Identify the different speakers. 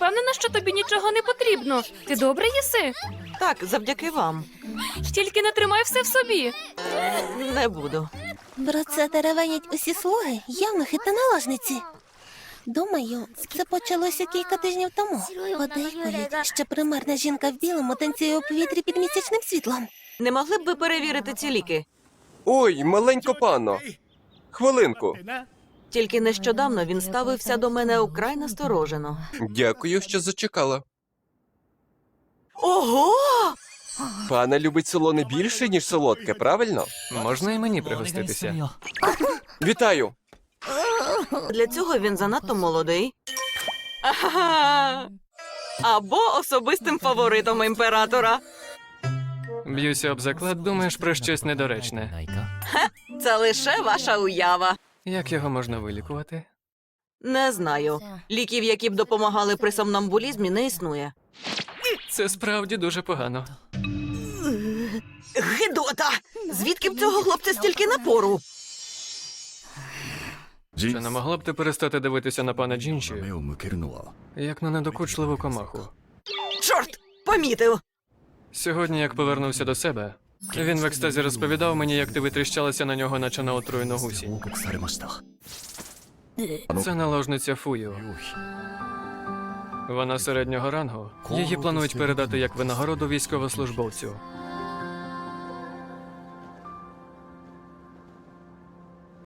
Speaker 1: впевнена, що тобі нічого не потрібно. Ти добре їси?
Speaker 2: Так, завдяки вам.
Speaker 1: Тільки не тримай все в собі.
Speaker 2: Не буду.
Speaker 3: Про це теревенять усі слуги, явнохи та наложниці. Думаю, це почалося кілька тижнів тому. Подейкують, що примарна жінка в білому танцює у повітрі під місячним світлом.
Speaker 2: Не могли б ви перевірити ці ліки?
Speaker 4: Ой, маленько панно. Хвилинку.
Speaker 2: Тільки нещодавно він ставився до мене украй насторожено.
Speaker 4: Дякую, що зачекала.
Speaker 2: Ого!
Speaker 4: Пана любить солоне більше, ніж солодке, правильно?
Speaker 5: Можна і мені пригоститися?
Speaker 4: Вітаю!
Speaker 2: Для цього він занадто молодий. Ага. Або особистим фаворитом імператора.
Speaker 5: Б'юся об заклад, думаєш про щось недоречне.
Speaker 2: Це лише ваша уява.
Speaker 5: Як його можна вилікувати?
Speaker 2: Не знаю. Ліків, які б допомагали при сомнамбулізмі, не існує.
Speaker 5: Це справді дуже погано.
Speaker 2: Гидота! Звідки в цього хлопця стільки напору?
Speaker 5: Чи не могла б ти перестати дивитися на пана Джінші, як на недокучливу комаху?
Speaker 2: Чорт! Помітив!
Speaker 5: Сьогодні, як повернувся до себе, він в екстазі розповідав мені, як ти витріщалася на нього, наче на отруєну гусі. Це наложниця Фую. Вона середнього рангу. Її планують передати як винагороду військовослужбовцю.